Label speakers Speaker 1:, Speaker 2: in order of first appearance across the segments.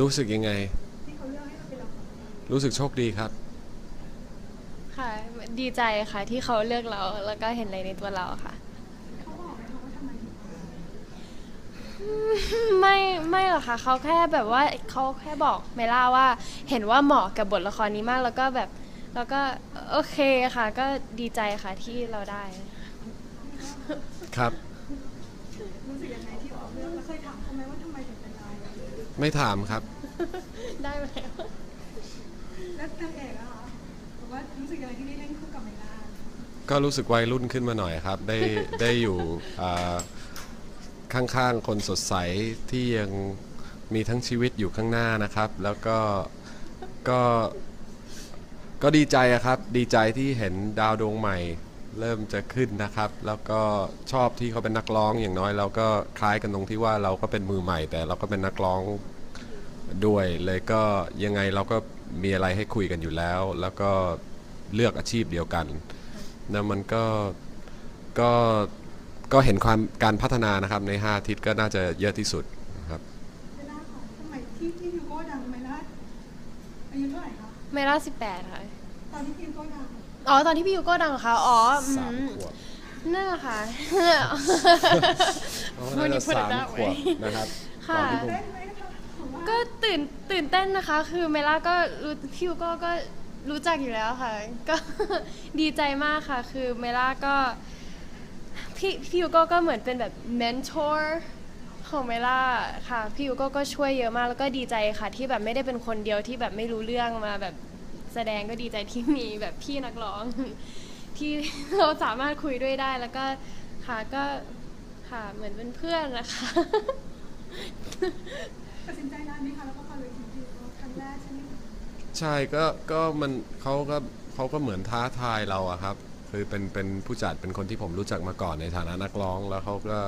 Speaker 1: รู้สึกยังไง
Speaker 2: ที่เขาเลือกให้เราเป็นละคร
Speaker 1: รู้สึกโชคดีครับ
Speaker 3: ค่ะดีใจค่ะที่เขาเลือกเราแล้วก็เห็นอะไรในตัวเราค่ะ
Speaker 2: เขาบอกไหมคะว่าทำไมถึงมา
Speaker 3: ไม่ไม่หรอกค่ะเขาแค่แบบว่าเขาแค่บอกเมล่าว่าเห็นว่าเหมาะกับบทละครนี้มากแล้วก็แบบแล้วก็โอเคค่ะก็ดีใจค่ะที่เราได้
Speaker 1: ครับ
Speaker 2: รู้สึกยังไงที่เขาเลือกแล้วเคยถามเขาไหมว่าทำไมถึงเป็นเรา
Speaker 1: ไม่ถามครับ
Speaker 3: ได้ไหม
Speaker 2: แล้วนางเอกอะคะบอกว่ารู้สึกยังไงที่ได้เล่นคู่กับไมล่า
Speaker 1: ก็รู้สึกวัยรุ่นขึ้นมาหน่อยครับได้อยู่ข้างๆคนสดใสที่ยังมีทั้งชีวิตอยู่ข้างหน้านะครับแล้วก็ก็ดีใจอะครับดีใจที่เห็นดาวดวงใหม่เริ่มจะขึ้นนะครับแล้วก็ชอบที่เขาเป็นนักร้องอย่างน้อยเราก็คล้ายกันตรงที่ว่าเราก็เป็นมือใหม่แต่เราก็เป็นนักร้องด้วยเลยก็ยังไงเราก็มีอะไรให้คุยกันอยู่แล้วแล้วก็เลือกอาชีพเดียวกันนะมันก็ก็เห็นความการพัฒนานะครับใน5 อาทิตย์ก็น่าจะเยอะที่สุดครับ
Speaker 2: ไมล่าค่ะสมัยที่ยูโก้ดังไมล่าอายุเท่าไหร่คะ
Speaker 3: เมล่า18ค่ะ
Speaker 2: ตอนที่ยูโก้ดัง
Speaker 3: อ๋อตอนที่พี่ยูโก้ดังค่ะอ๋อ
Speaker 1: 3 ขวบ
Speaker 3: นั่นแหละค่ะ
Speaker 1: น่าจะ3 ขวบนะครับ
Speaker 3: ค่ะ
Speaker 2: เต้นไหมคะผมว่า
Speaker 3: ก็ตื่นเต้นนะคะคือเมล่าก็รู้พี่ยูก็รู้จักอยู่แล้วค่ะก็ดีใจมากค่ะคือเมล่าก็พี่ยูก็เหมือนเป็นแบบเมนทอร์ของเมล่าค่ะพี่ยูก็ช่วยเยอะมากแล้วก็ดีใจค่ะที่แบบไม่ได้เป็นคนเดียวที่แบบไม่รู้เรื่องมาแบบแสดงก็ดีใจที่มีแบบพี่นักร้องที่เราสามารถคุยด้วยได้แล้วก็ค่ะก็ค่ะเหมือนเป็นเพื่อนนะคะ
Speaker 2: ตัดสินใจนานไหมคะแล้วก็พอเลยทียูโก้ครั้งแรกใช่ไหมคะ
Speaker 1: ใช่ก็มันเขาก็เหมือนท้าทายเราอะครับคือเป็นผู้จัดเป็นคนที่ผมรู้จักมาก่อนในฐานะนักร้องแล้วเขาก็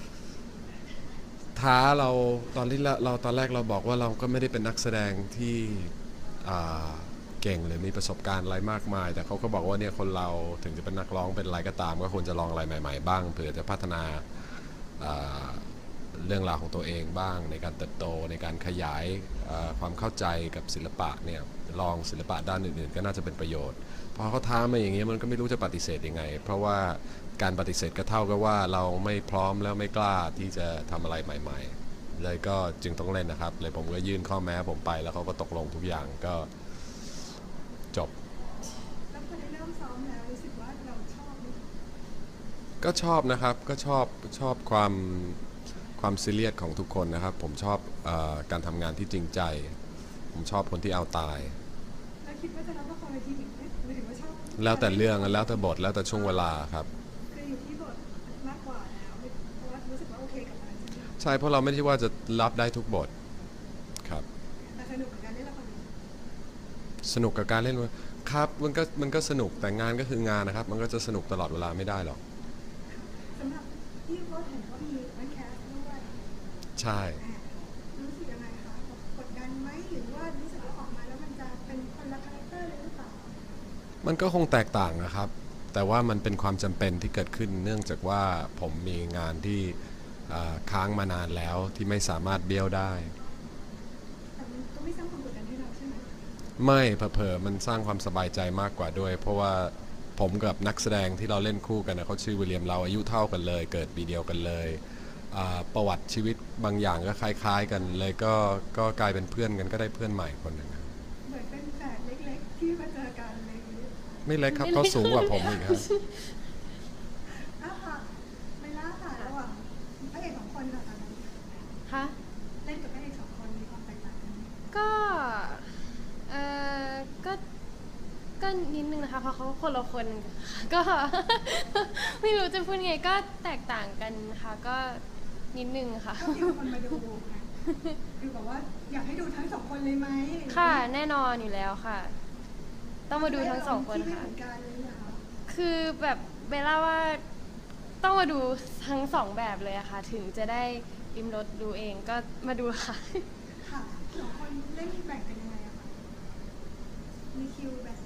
Speaker 1: ท้าเราตอนที่เราตอนแรกเราบอกว่าเราก็ไม่ได้เป็นนักแสดงที่อ่าเก่งหรือมีประสบการณ์อะไรมากมายแต่เขาก็บอกว่าเนี่ยคนเราถึงจะเป็นนักร้องเป็นอะไรก็ตามก็ควรจะลองอะไรใหม่ๆบ้างเผื่อจะพัฒนาอ่าเรื่องราวของตัวเองบ้างในการเติบโตในการขยายความเข้าใจกับศิลปะเนี่ยลองศิลปะด้านอื่นๆก็น่าจะเป็นประโยชน์พอเขาท้ามาอย่างเงี้ยมันก็ไม่รู้จะปฏิเสธยังไงเพราะว่าการปฏิเสธก็เท่ากับว่าเราไม่พร้อมแล้วไม่กล้าที่จะทำอะไรใหม่ๆเลยก็จึงต้องเล่นนะครับเลยผมก็ยื่นข้อแม้ผมไปแล้วเขาก็ตกลงทุกอย่างก็จบ
Speaker 2: แล้วพอได้เริ่มซ้อมแล้วรู้สึกว่าเราชอบไหม
Speaker 1: ก็ชอบนะครับก็ชอบความซีเรียสของทุกคนนะครับผมชอบการทำงานที่จริงใจผมชอบคนที่เอาตาย
Speaker 2: แล้วคิดว่าจะรับละครเวทีอีกไหมหรือว่าชอบ
Speaker 1: แล้วแต่เรื่องแล้วแต่บทแล้วแต่ช่วงเวลาครับ
Speaker 2: คืออยู่ที่บทมากกว่าแล้วเพราะว่ารู้สึกว่าโอเคกับมันใช่ไหม
Speaker 1: ใช่เพราะเราไม่ใช่ว่าจะรับได้ทุกบทครับ
Speaker 2: แต่สนุกกับการเล่นละครเวที
Speaker 1: สนุกกับการเล่นครับมันก็สนุกแต่งานก็คืองานนะครับมันก็จะสนุกตลอดเวลาไม่ได้หรอก
Speaker 2: สำหรับที่ก็เห็นว่ามีนักแคสด้วย
Speaker 1: ใช่
Speaker 2: รู้สึกยังไงคะกดดันไหมหรือว่ารู้สึกว่าออกมาแล้วมันจะเป็นคนละคาแรคเตอร์เลยหรือเปล่า
Speaker 1: มันก็คงแตกต่างนะครับแต่ว่ามันเป็นความจำเป็นที่เกิดขึ้นเนื่องจากว่าผมมีงานที่ค้างมานานแล้วที่ไม่สามารถเบี้ยวได้
Speaker 2: แต่มันก็ไม่สร้างความกดดันให้เราใช่ไหม
Speaker 1: ไม่เผลอๆมันสร้างความสบายใจมากกว่าด้วยเพราะว่าผมกับนักแสดงที่เราเล่นคู่กันนะเขาชื่อวิลเลียมเราอายุเท่ากันเลยเกิดปีเดียวกันเลยประวัติชีวิตบางอย่างก็คล้ายๆกันเลยก็กลายเป็นเพื่อนกันก็ได้เพื่อนใหม่คนหนึ่ง
Speaker 2: เหมือนเป็นแฝดเล็กๆที่มาเจอกันอะไรอย่างนี้
Speaker 1: ไม่เล็กครับเขาสูงกว่าผมอีกครับ
Speaker 2: อ้าวค่ะไม่ล่าค่ะระหว่างพระเอกสองคนค่ะตอนนั้น
Speaker 3: ค่ะ
Speaker 2: เล่นกับพระเอกสองคนมีความแตกต่างกันไหม
Speaker 3: ก็เออก็ก็นิดนึงนะคะเพราะเขาคนละคนก็ ไม่รู้จะพูดไงก็แตกต่างกันค่ะก็นิดนึงค่ะ
Speaker 2: ก็มีคนมาดูไงคือแบบว่าอยากให้ดูทั้งสองคนเลยไหม
Speaker 3: ค่ะแน่นอนอยู่แล้วค่ะ ต้องมาดูทั้งสองคนค่ะคือแบบเบลล่าว่าต้องมาดูทั้งสองแบบเลยอะค่ะถึงจะได้ริมรสดูเองก็มาดูค่ะ
Speaker 2: ค่ะสองคนเล่นแบ่งกันยังไงอะคะมีคิวแบ่ง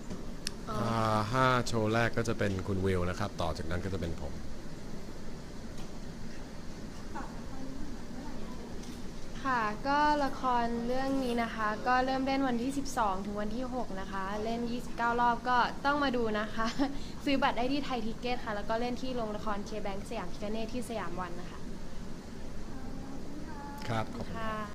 Speaker 1: 5 โชว์แรกก็จะเป็นคุณวิลนะครับต่อจากนั้นก็จะเป็นผม
Speaker 2: ฝากละครเมื่อไหร่
Speaker 3: ค่ะ ก็ละครเรื่องนี้นะคะ ก็เริ่มเล่นวันที่ 12 ถึงวันที่ 6 นะคะ เล่น 29 รอบก็ต้องมาดูนะคะ ซื้อบัตรได้ที่ไทยทิกเก็ตค่ะ แล้วก็เล่นที่โรงละครเคแบงค์สยามพิคเนตที่สยามวันนะคะ
Speaker 1: ครับขอบคุณ
Speaker 3: ค่ะ